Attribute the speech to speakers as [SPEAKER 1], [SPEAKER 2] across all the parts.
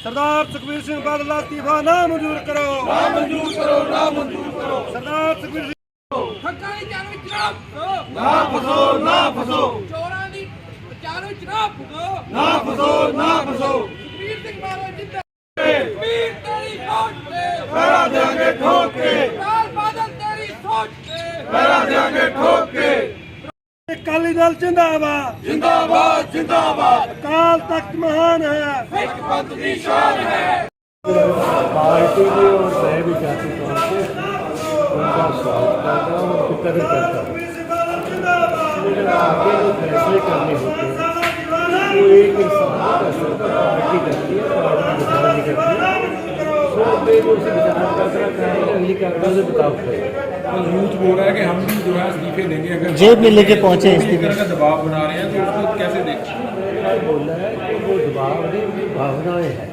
[SPEAKER 1] सरदार सुखबीर सिंह बादल का इस्तीफा ना मंजूर करो, ना मंजूर करो, ना मंजूर करो। सरदार सुखबीर सिंह
[SPEAKER 2] हक्कानी जान विच ना फसो,
[SPEAKER 1] ना फसो, ना फसो,
[SPEAKER 2] चोरां दी जान विच ना फसो,
[SPEAKER 1] ना फसो, ना फसो।
[SPEAKER 2] सुखबीर सिंह बादल जिंदा सुखबीर तेरी सोच पे
[SPEAKER 1] पहरा देंगे ठोक के,
[SPEAKER 2] लाल बादल तेरी सोच पे
[SPEAKER 1] पहरा देंगे ठोक के। अकाली दल जिंदाबाद, जिंदाबाद, जिंदाबाद। अकाल तख्त महान है, सिख पंथ की शान है।
[SPEAKER 3] पार्टी में और मैं भी जाति तौर पे उनका स्वागत करता हूँ, उनकी कदर करता हूँ। लेकिन आगे जो फैसले करने होते हैं वो एक इंसान कर सकता है, पार्टी करती है, पार्टी विचार नहीं करती है। सो मैं जो उसे विचार कर रहा करेंगे अगली कार्रवाई से बताओ करेंगे।
[SPEAKER 4] यूथ बोल रहा है कि हम भी जो है इस्तीफे देंगे, अगर
[SPEAKER 5] जेब में लेके पहुंचे
[SPEAKER 4] इस
[SPEAKER 5] इस्तीफे।
[SPEAKER 4] तरह का दबाव बना रहे हैं तो उसको कैसे देखें?
[SPEAKER 3] मैंने बोला है कि वो दबाव नहीं, उनकी भावनाएं हैं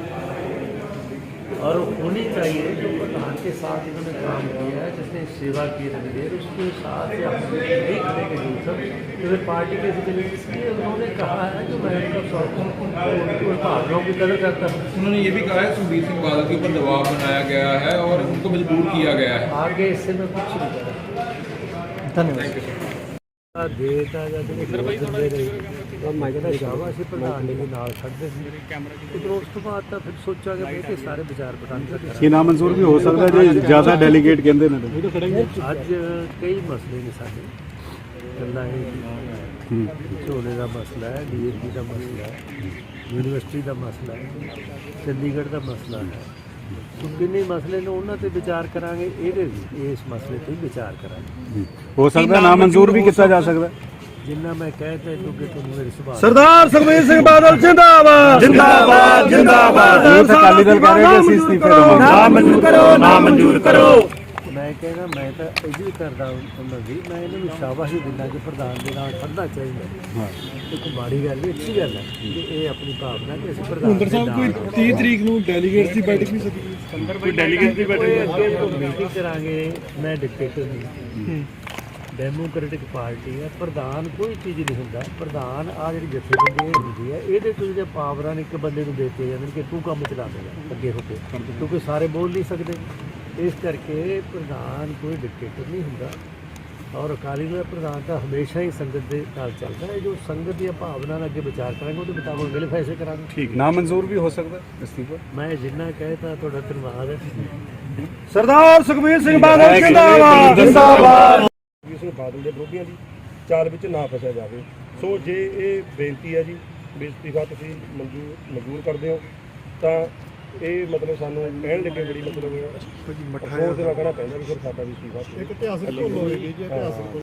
[SPEAKER 3] और होनी चाहिए। जो प्रधान के साथ इन्होंने काम किया है, जिसने सेवा की इतनी देर, उसके साथ देख लेंगे जो सब तो फिर पार्टी कैसे चलेगी। इसलिए उन्होंने कहा है कि मैं उनका उनकी भावनाओं की कदर करता हूँ।
[SPEAKER 4] उन्होंने ये भी कहा है सुखबीर सिंह बादल के ऊपर दबाव बनाया गया है और उनको मजबूर किया गया है।
[SPEAKER 3] आगे इससे मैं कुछ नहीं करा
[SPEAKER 5] धन्यवाद।
[SPEAKER 3] ਦੇਤਾ ਜਾਂ ਜਿਹੜੇ ਦਿੰਦੇ ਰਹੇ ਤਾਂ ਮੈਂ ਕਹਿੰਦਾ ਸ਼ਾਬਾਸ਼ ਪ੍ਰਧਾਨ ਜੀ ਦੇ ਨਾਲ ਖੜਦੇ ਸੀ। ਉਧਰੋਂ ਉਸ ਤੋਂ ਬਾਅਦ ਤਾਂ ਫਿਰ ਸੋਚਾਂਗੇ ਬਈ ਕਿ ਸਾਰੇ ਵਿਚਾਰ ਵਟਾਂਦਰਾ
[SPEAKER 6] ਕੀ ਨਾ ਮਨਜ਼ੂਰ ਵੀ ਹੋ ਸਕਦਾ ਜੇ ਜ਼ਿਆਦਾ ਡੈਲੀਗੇਟ ਕਹਿੰਦੇ ਨੇ
[SPEAKER 3] ਅੱਜ ਕਈ ਮਸਲੇ ਨੇ ਸਾਡੇ ਗੱਲਾਂ ਇਹ ਝੋਨੇ ਦਾ ਮਸਲਾ ਹੈ, ਡੀਏਪੀ ਦਾ ਮਸਲਾ ਹੈ, ਯੂਨੀਵਰਸਿਟੀ ਦਾ ਮਸਲਾ ਹੈ, ਚੰਡੀਗੜ੍ਹ ਦਾ ਮਸਲਾ ਹੈ। ਸੋ ਕਿੰਨੇ ਮਸਲੇ ਨੇ ਉਹਨਾਂ ਤੇ ਵਿਚਾਰ ਕਰਾਂਗੇ, ਇਹਦੇ ਇਸ ਮਸਲੇ ਤੇ ਵਿਚਾਰ ਕਰਾਂਗੇ।
[SPEAKER 6] ਹੋ ਸਕਦਾ ਨਾ ਮਨਜ਼ੂਰ ਵੀ ਕੀਤਾ ਜਾ ਸਕਦਾ।
[SPEAKER 3] ਜਿੰਨਾ ਮੈਂ ਕਹਿਤਾ ਕਿਉਂਕਿ ਤੁਹਾਨੂੰ ਮੇਰੇ ਸੁਭਾਅ
[SPEAKER 1] सरदार सुखबीर सिंह बादल जिंदाबाद, जिंदाबाद, जिंदाबाद।
[SPEAKER 6] ਅਕਾਲੀ ਦਲ ਕਹਿ ਰਿਹਾ ਕਿ ਅਸੀਂ ਇਸਤੀਫੇ ਦੇਵਾਂਗੇ।
[SPEAKER 1] ना मंजूर करो, ना मंजूर करो।
[SPEAKER 3] ਮੈਂ ਕਹਿੰਦਾ ਮੈਂ ਤਾਂ ਇਹ ਵੀ ਕਰਦਾ ਉਹਨਾਂ ਦੀ ਮੈਂ ਇਹਨਾਂ ਨੂੰ ਸ਼ਾਬਾਸ਼ ਦਿੰਦਾ ਕਿ ਪ੍ਰਧਾਨ ਦੇ ਨਾਲ ਖੜਨਾ ਚਾਹੀਦਾ। ਇੱਕ ਮਾੜੀ ਗੱਲ ਵੀ ਅੱਛੀ ਗੱਲ ਹੈ ਕਿ ਇਹ ਆਪਣੀ ਭਾਵਨਾ ਕਿ ਅਸੀਂ ਪ੍ਰਧਾਨ ਦੇ ਨਾਲ
[SPEAKER 6] 30 ਤਰੀਕ ਨੂੰ ਡੈਲੀਗੇਟਸ ਦੀ ਬੈਠਕ ਵੀ ਸਕੀ ਕੋਈ ਡੈਲੀਗੇਟਸ ਦੀ
[SPEAKER 3] ਅੱਗੇ ਮੀਟਿੰਗ ਕਰਾਂਗੇ। ਮੈਂ ਡਿਕਟੇਟਰ ਨਹੀਂ, ਡੈਮੋਕ੍ਰੈਟਿਕ ਪਾਰਟੀ ਹੈ। ਪ੍ਰਧਾਨ ਕੋਈ ਚੀਜ਼ ਨਹੀਂ ਹੁੰਦਾ। ਪ੍ਰਧਾਨ ਆ ਜਿਹੜੀ ਜਥੇਬੰਦੀ ਹੁੰਦੀ ਹੈ ਇਹਦੇ ਤੋਂ ਜਿਹੜੇ ਪਾਵਰਾਂ ਇੱਕ ਬੰਦੇ ਨੂੰ ਦਿੱਤੇ ਜਾਂਦੇ ਨੇ ਕਿ ਤੂੰ ਕੰਮ ਚਲਾ ਦੇਗਾ ਅੱਗੇ ਹੋ ਕੇ, ਕਿਉਂਕਿ ਸਾਰੇ ਬੋਲ ਨਹੀਂ ਸਕਦੇ। ਇਸ ਕਰਕੇ ਪ੍ਰਧਾਨ ਕੋਈ ਡਿਕਟੇਟਰ ਨਹੀਂ ਹੁੰਦਾ ਔਰ ਅਕਾਲੀ ਦਲ ਪ੍ਰਧਾਨ ਤਾਂ ਹਮੇਸ਼ਾ ਹੀ ਸੰਗਤ ਦੇ ਨਾਲ ਚੱਲਦਾ ਹੈ। ਜੋ ਸੰਗਤ ਦੀਆਂ ਭਾਵਨਾ ਨਾਲ ਅੱਗੇ ਵਿਚਾਰ ਕਰਾਂਗੇ ਉਹਦੇ ਮੁਤਾਬਕ ਅਗਲੇ ਫੈਸਲੇ ਕਰਾਂਗੇ।
[SPEAKER 6] ਠੀਕ ਨਾ ਮਨਜ਼ੂਰ ਵੀ ਹੋ ਸਕਦਾ ਇਸਤੀਫਾ।
[SPEAKER 3] ਮੈਂ ਜਿੰਨਾ ਕਹਿਤਾ ਤੁਹਾਡਾ ਧੰਨਵਾਦ ਹੈ।
[SPEAKER 1] सरदार सुखबीर सिंह बादल जिंदाबाद, जिंदाबाद।
[SPEAKER 7] ਇਸ ਬਾਦਲ ਦੇ ਵਿਰੋਧੀਆਂ ਦੀ ਚਾਲ ਵਿੱਚ ਨਾ ਫਸਿਆ ਜਾਵੇ। ਸੋ ਜੇ ਇਹ ਬੇਨਤੀ ਹੈ ਜੀ ਵੀ ਇਸਤੀਫਾ ਤੁਸੀਂ ਮਨਜ਼ੂਰ ਕਰਦੇ ਹੋ ਤਾਂ ਇਹ ਮਤਲਬ ਸਾਨੂੰ ਕਹਿਣ ਲੱਗੇ ਬੜੀ ਮਤਲਬ ਅਫਸੋਸ ਦੇ ਨਾਲ ਕਹਿਣਾ ਪੈਂਦਾ ਵੀ ਫਿਰ ਸਾਡਾ ਵੀ ਇਸਤੀਫਾ ਇੱਕ ਇਤਿਹਾਸਕ